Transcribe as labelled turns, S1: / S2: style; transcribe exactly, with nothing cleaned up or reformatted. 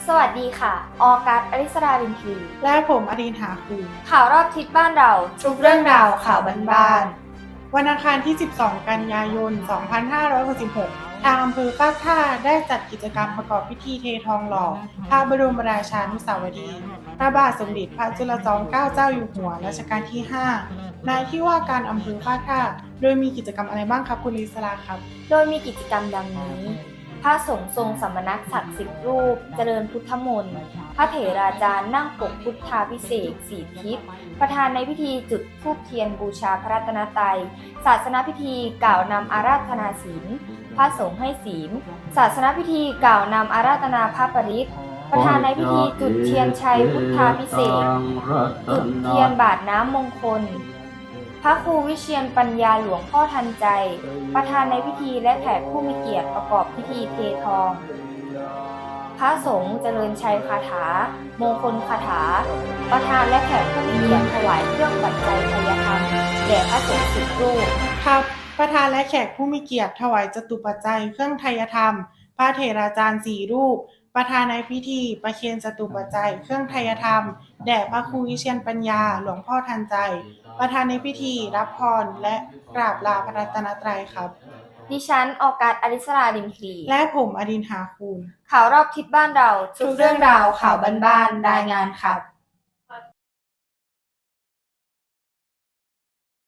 S1: สวัสดีค่ะ ออกัส อริสรารินทรี
S2: และผมอดินหาคู
S1: ข่าวรอบทิศบ้านเราทุกเรื่องราวข่าวบ้าน
S2: ๆวันอังคารที่ สิบสอง กันยายน สองพันห้าร้อยหกสิบหก ทางอำเภอปากท่าได้จัดกิจกรรมประกอบพิธีเททองหล่อพระบรมราชานุสาวรีย์พระบาทสมเด็จพระจุลจอมเกล้าเจ้าอยู่หัวรัชกาลที่ ห้า ในที่ว่าการอำเภอปากท่าโดยมีกิจกรรมอะไรบ้างครับคุณลิศราครับ
S1: โดยมีกิจกรรมดังนี้ พระสงฆ์ทรงสมณศักดิ์สิบรูป เจริญพุทธมนต์ พระเถราจารย์นั่งปกพุทธาพิเศษกสี่ทิศ ประธานในพิธีจุดธูปเทียนบูชาพระรัตนตรัย ศาสนพิธีกล่าวนำอาราธนาศีล พระสงฆ์ให้ศีล ศาสนพิธีกล่าวนำอาราธนาพระปริตรประธานในพิธีจุดเทียนชัยพุทธาพิเศษกจุดเทียนบาทน้ำมงคล พระครูวิเชียรปัญญาหลวงพ่อทันใจ ประธานในพิธีและแขกผู้มีเกียรติประกอบพิธีเททอง พระสงฆ์เจริญชัยคาถา มงคลคาถา ประธานและแขกผู้มีเกียรติถวายเครื่องปัจจัยไทยธรรมแด่พระสงฆ์สิบรูป
S2: ครับ ประธานและแขกผู้มีเกียรติถวายจตุปัจจัยเครื่องไทยธรรม พระเถราจารย์สี่รูป ประธานในพิธีประเคนจตุปัจจัยเครื่องไทยธรรมแด่พระครูวิเชียรปัญญาหลวงพ่อทันใจ ประธานในพิธีรับพรและกราบลาพระรัตนตรัยครับ
S1: ดิฉันออกัส อริสรารินทรี
S2: และผมอดินหาคูล
S1: ข่าวรอบทิศบ้านเราทุกเรื่องราวข่าวบ้านๆรายงานครับ